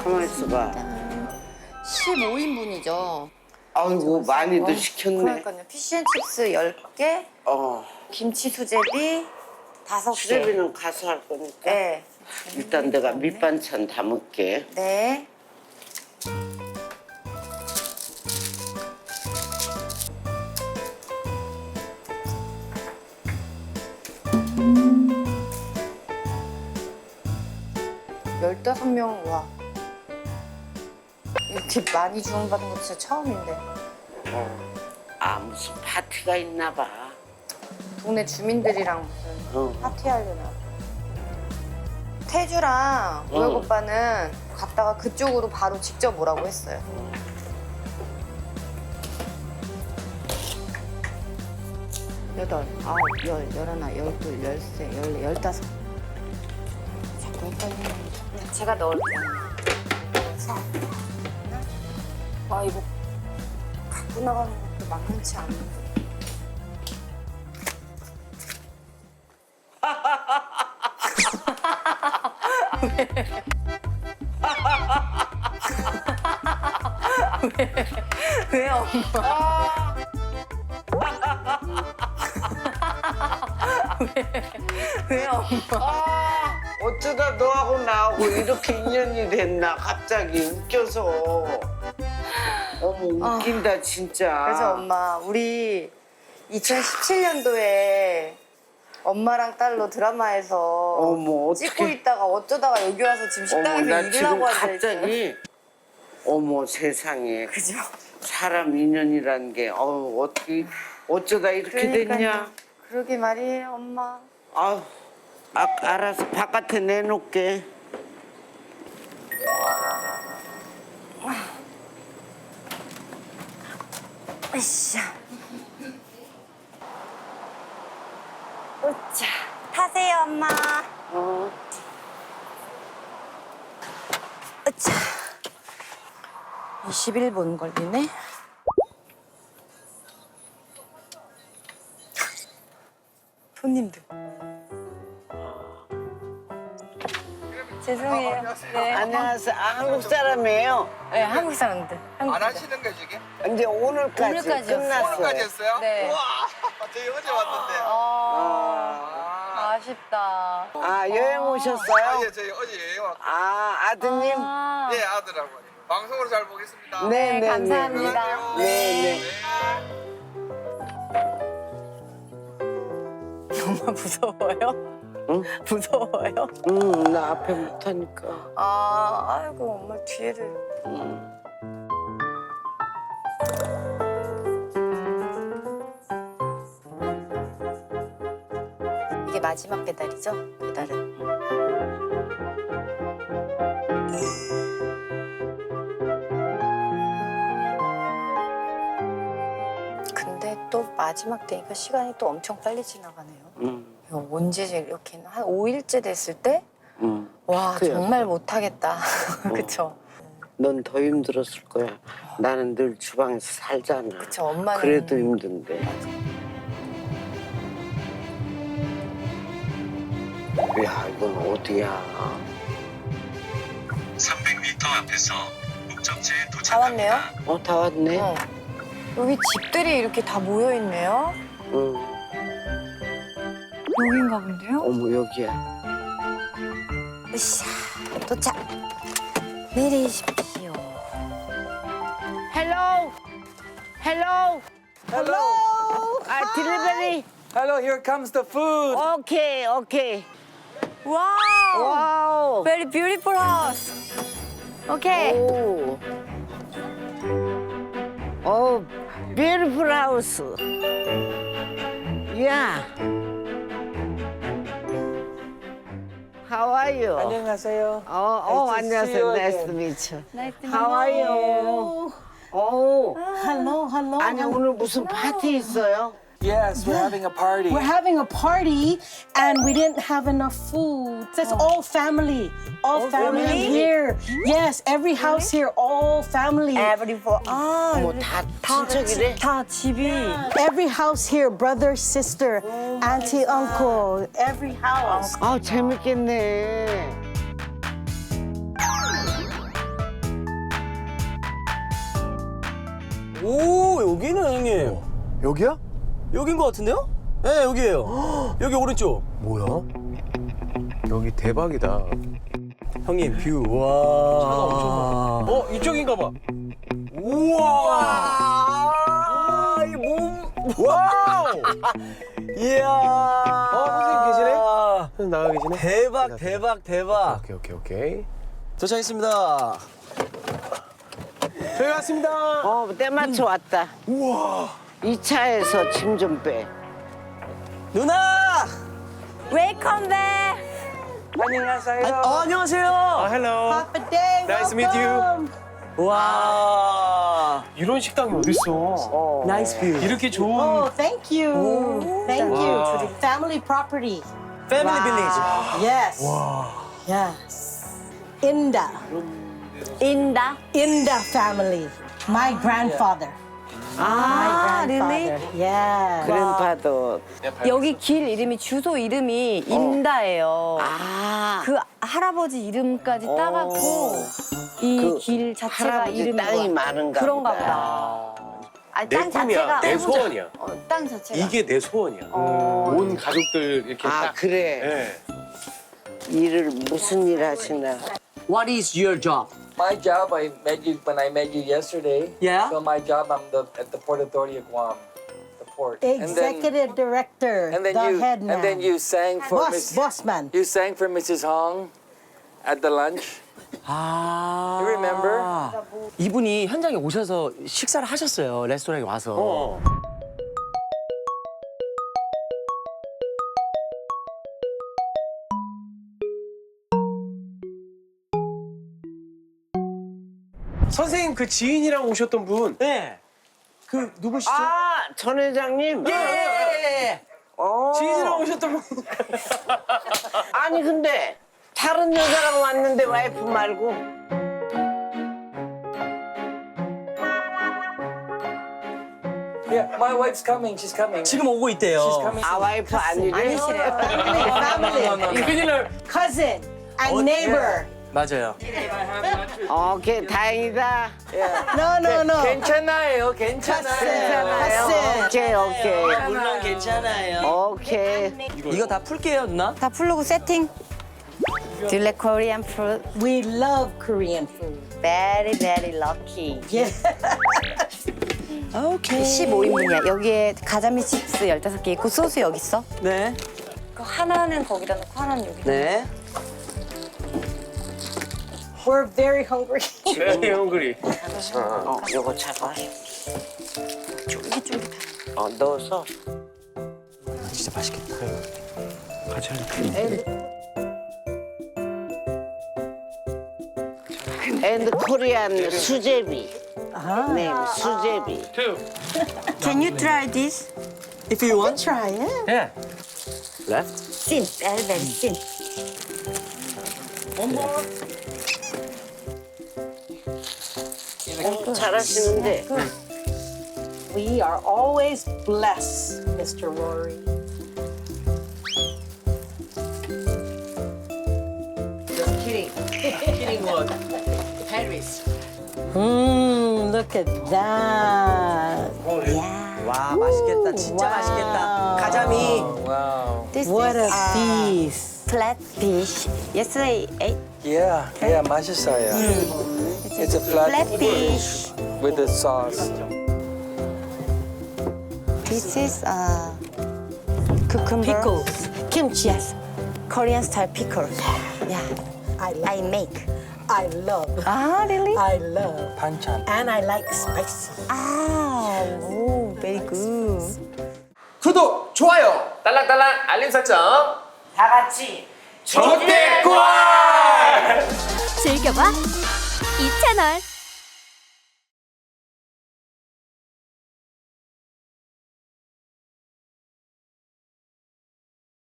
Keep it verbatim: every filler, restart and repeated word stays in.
가만 있어봐. 십오 인분이죠. 아이고 많이도 시켰네. 그러니까요. 피쉬앤칩스 열 개, 어. 김치 수제비 다섯 개. 수제비는 가서 할 거니까. 네. 일단 내가 밑반찬 담을게. 네. 열다섯 명, 와. 이렇게 많이 주문받은 거 진짜 처음인데. 어. 아 무슨 파티가 있나 봐. 동네 주민들이랑 무슨 어. 파티하려나. 태주랑 우혁 어. 오빠는 갔다가 그쪽으로 바로 직접 오라고 했어요. 여덟, 아홉, 열, 열하나, 열둘, 열세, 열네, 열다섯. 자꾸 헷갈리네. 제가 넣을게요. 그래서 아 이거 갖고 나가는 것도 만만치 않은데. 왜? 왜 엄마? 왜? 왜 엄마? 어쩌다 너하고 나하고 이렇게 인연이 됐나 갑자기 웃겨서. 어머 웃긴다 진짜. 그래서 엄마 우리 이천십칠 년도에 엄마랑 딸로 드라마에서 어머 어떻게. 찍고 있다가 어쩌다가 여기 와서 지금 어머 식당에서 나 일을 지금 하고 앉아있어요. 갑자기 어머 세상에 그죠? 사람 인연이란 게 어우 어떻게 어쩌다 이렇게 됐냐. 그러게 말이에요 엄마. 아우 아, 알아서 바깥에 내놓을게. 으쌰. 으쌰. 타세요 엄마. 어. 으쌰. 이십일 분 걸리네. 손님들. 죄송해요. 네. 안녕하세요. 아, 한국 사람이에요. 네, 한국 사람들. 한국 안 사람들. 하시는 거지 이게? 이제 오늘까지, 오늘까지였어요. 끝났어요. 오늘까지 했어요? 네. 우와 저희 어제 왔는데 아, 아, 아쉽다. 아 여행 아, 오셨어요? 예, 저희 어제 여행 왔고 아 아드님. 아, 예 아들하고 방송으로 잘 보겠습니다. 네, 네, 네. 감사합니다. 안녕하세요. 네, 네. 엄마 무서워요? 응? 무서워요? 응, 나 앞에 못하니까. 아, 아이고 엄마 뒤에를. 응. 이게 마지막 배달이죠? 배달은. 근데 또 마지막 때니까 시간이 또 엄청 빨리 지나가네요. 응. 이거 언제 이렇게 한 오 일째 됐을 때? 응. 와 그래요. 정말 못하겠다. 그쵸? 넌 더 힘들었을 거야. 나는 늘 주방에서 살잖아. 그쵸 엄마는. 그래도 힘든데. 야, 이건 어디야? 삼백 미터 앞에서 목적지에 다 도착합니다. 왔네요? 어, 다 왔네. 어. 여기 집들이 이렇게 다 모여 있네요. 응. 여긴가 본데요? 어머, 여기야. 으쌰, 도착. 내리십시오. 헬로! 헬로! 헬로! 아, 딜리버리. Hello, here comes the food. 오케이, 오케이. 와우. 와우. Very beautiful house. 오케이. 오. 오, beautiful house. Yeah. How are you? 안녕하세요. 어, 어, Nice to see 안녕하세요. you Nice to again. meet you. Nice to How are you? 오, Hello, hello. 아니 오늘 무슨 파티 있어요? Yes, we're having a party. We're having a party and we didn't have enough food. It's all family. All family family? here. Yes, every house here, all family. Every for 아, 뭐 다 친척이래? 다 집이. Every house here, brother, sister, auntie, uncle, every house. 아 재밌겠네. 오, 여기는 형님. 여기야? 여긴 것 같은데요? 네, 여기에요. 여기 오른쪽. 뭐야? 여기 대박이다. 형님, 뷰. 와. 어, 이쪽인가 봐. 우와. 이 몸. 와우! 이야. 어, 선생님 계시네? 선생님 나가 계시네? 대박, 대박, 대박. 오케이, 오케이, 오케이. 도착했습니다. 저희 왔습니다. 어, 때 맞춰 왔다. 우와. 이 차에서 짐 좀 빼. 누나! 웨이컴 백. 안녕하세요. 아, 어, 안녕하세요. hello. Papa Day, Nice to meet you. welcome. 와. 이런 식당이 어딨어? 나이스 뷰. 이렇게 좋은 Oh, thank you. Thank you. Family property. 패밀리 빌리지. Yes. Yes. Inda. 인다. Inda family. My grandfather. 아, My grandfather. Yeah. 그랜파도. 여기 길 이름이 주소 이름이 인다예요. 아, 그 할아버지 이름까지 따갖고 이 그 길 자체가 할아버지 이름이 땅이 뭐야. 많은가 그런가 보다. 보다. 아니, 내 땅 꿈이야. 자체가 내 소원이야. 어, 땅 자체가 이게 내 소원이야. 어. 온 가족들 이렇게 아, 딱. 그래. 예. 일을 무슨 일 하시나? What is your job? My job, I met you when I met you yesterday. Yeah? So my job, I'm the at the Port Authority of Guam, the port. And then, Executive director. and then the you, head man. and then you sang for Boss, Miss, boss man. you sang for Missus Hong at the lunch. 아. You remember? 이분이 현장에 오셔서 식사를 하셨어요. 레스토랑에 와서. 어. 선생님 그 지인이랑 오셨던 분. 네. 그 누구시죠? 아, 전 회장님. 예. 어. 지인이랑 오셨던 분. 아니 근데 다른 여자랑 왔는데 와이프 말고. Yeah, my wife's coming. She's coming. 지금 오고 있대요. She's coming. 아, 와이프 아니래? 아니시래요. Family. 큰일 날. Cousin and neighbor. 맞아요. 오케이, 다행이다. No, no, no. 괜찮아요. 괜찮아요. Cousin. 오케이, 오케이. 물론 괜찮아요. 오케이. 이거 다 풀게요, 누나. 다 풀르고 세팅. Do you like Korean food? We love Korean food. Very very lucky. Yeah. 오케이. 십오 인분이야. 여기에 가자미 칩스 열다섯 개 있고 소스 여기 있어. 네. 그 하나는 거기다 놓고 하나는 여기다. 네. We're very hungry. 네, 형그리. 어, 요거 잡아. 쫄깃쫄깃. 어, 넣어서. 진짜 맛있겠다. 같이 하니까. 앤드 코리안 수제비. 네, 수제비. Can you try this? If you want. Try it. 예. Left. Thin, very very thin. 잘하시는데. We are always blessed, Mister Rory. Mmm, look at that. 와, 맛있겠다. 진짜 와우. 맛있겠다. 가자미. Wow. This What a is uh, feast. flat fish. Yesterday ate Yeah, yeah, 맛있어요. It's a flat, flat fish. with the sauce. This is uh, cucumber. Pickles. Kimchi. Yes, Korean style pickles. Yeah, I love. I make. I love. Ah, really? I love. 반찬. And I like spicy. Ah, oh, very good. 구독, 좋아요, 딸랑딸랑 알림 설정. 다 같이. 조대권! 즐겨봐 이 채널.